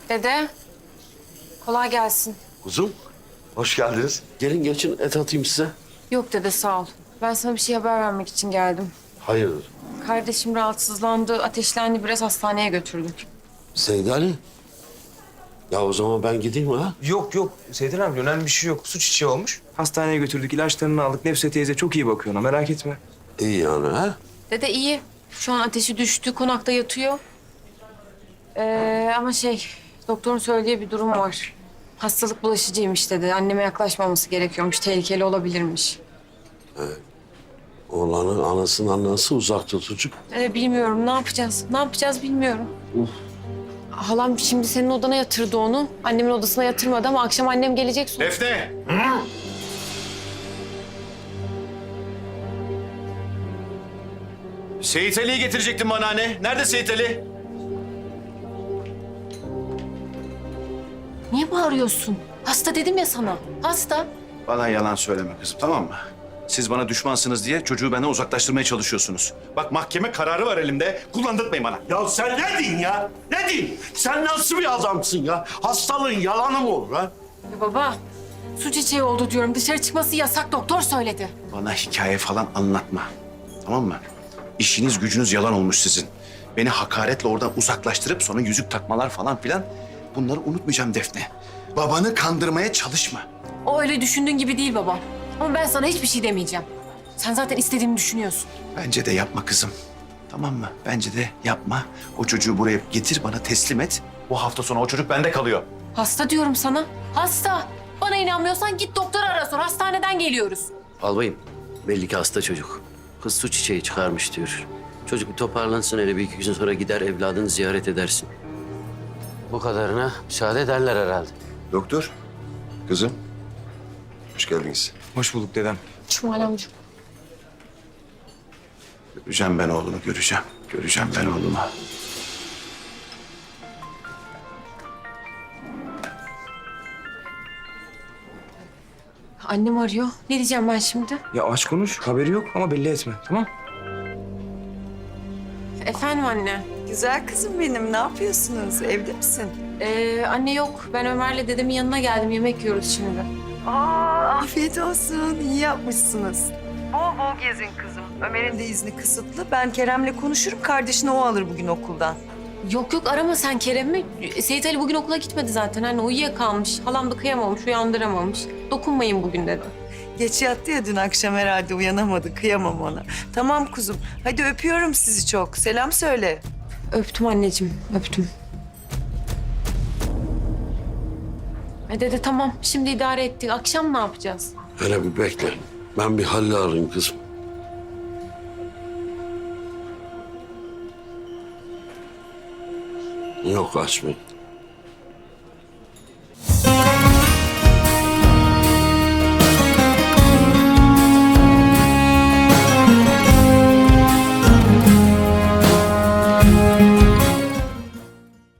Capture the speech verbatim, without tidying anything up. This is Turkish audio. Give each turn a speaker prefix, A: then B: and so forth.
A: Dede, kolay gelsin.
B: Kuzum, hoş geldiniz. Gelin geçin, et atayım size.
A: Yok dede, sağ ol. Ben sana bir şey haber vermek için geldim.
B: Hayırdır?
A: Kardeşim rahatsızlandı, ateşlendi, biraz hastaneye götürdük.
B: Seyit Ali. Ya o zaman ben gideyim ha?
C: Yok yok Seyden abi önemli bir şey yok. Su çiçeği olmuş. Hastaneye götürdük, ilaçlarını aldık. Nefse teyze çok iyi bakıyor ona, merak etme.
B: İyi yani ha?
A: Dede iyi. Şu an ateşi düştü, konakta yatıyor. Ee, ama şey, doktorun söylediği bir durum var. Hastalık bulaşıcıymış dedi. Anneme yaklaşmaması gerekiyormuş, tehlikeli olabilirmiş.
B: Oğlanın anasından nasıl uzak tutucuk?
A: Ee, bilmiyorum, ne yapacağız? Ne yapacağız bilmiyorum. Halam şimdi senin odana yatırdı onu. Annemin odasına yatırmadı ama akşam annem gelecek sonra.
D: Defne! Seyit Ali'yi getirecektin bana anne. Nerede Seyit Ali?
A: Niye bağırıyorsun? Hasta dedim ya sana. Hasta.
D: Bana yalan söyleme kızım, tamam mı? Siz bana düşmansınız diye çocuğu benden uzaklaştırmaya çalışıyorsunuz. Bak mahkeme kararı var elimde. Kullandırtmayın bana.
B: Ya sen ne diyorsun ya? Ne diyorsun? Sen nasıl bir adamsın ya? Hastalığın yalanı mı olur ha?
A: Ya baba, su çiçeği oldu diyorum. Dışarı çıkması yasak, doktor söyledi.
D: Bana hikaye falan anlatma. Tamam mı? İşiniz gücünüz yalan olmuş sizin. Beni hakaretle oradan uzaklaştırıp sonra yüzük takmalar falan filan. Bunları unutmayacağım Defne. Babanı kandırmaya çalışma.
A: O öyle düşündüğün gibi değil baba. Ama ben sana hiçbir şey demeyeceğim. Sen zaten istediğini düşünüyorsun.
D: Bence de yapma kızım. Tamam mı? Bence de yapma. O çocuğu buraya getir, bana teslim et. Bu hafta sonu o çocuk bende kalıyor.
A: Hasta diyorum sana. Hasta. Bana inanmıyorsan git doktoru ara sor. Hastaneden geliyoruz.
B: Albayım, belli ki hasta çocuk. Kız su çiçeği çıkarmış diyor. Çocuk bir toparlansın, hele bir iki gün sonra gider evladını ziyaret edersin. Bu kadarına müsaade ederler herhalde.
E: Doktor, kızım. Hoş geldiniz.
C: Hoş bulduk dedem.
A: Cumali amca.
D: Göreceğim ben oğlumu, göreceğim. Göreceğim ben oğlumu.
A: Annem arıyor. Ne diyeceğim ben şimdi?
C: Ya aç konuş, haberi yok ama belli etme, tamam?
A: Efendim anne.
F: Güzel kızım benim. Ne yapıyorsunuz? Evde misin?
A: Ee, anne yok. Ben Ömer'le dedemin yanına geldim. Yemek yiyoruz şimdi.
F: Aa, afiyet olsun. İyi yapmışsınız. Bol bol gezin kızım. Ömer'in de izni kısıtlı. Ben Kerem'le konuşurum. Kardeşini o alır bugün okuldan.
A: Yok yok, arama sen Kerem'i. Seyit Ali bugün okula gitmedi zaten. Anne uyuyakalmış. Halam da kıyamamış, uyandıramamış. Dokunmayın bugün dedi.
F: Geç yattı ya dün akşam herhalde uyanamadı. Kıyamam ona. Tamam kuzum. Hadi öpüyorum sizi çok. Selam söyle.
A: Öptüm anneciğim, öptüm. E dede tamam, şimdi idare ettik. Akşam ne yapacağız?
B: Hele bir bekle. Ben bir Halil'i arayayım kızım. Yok açmayın.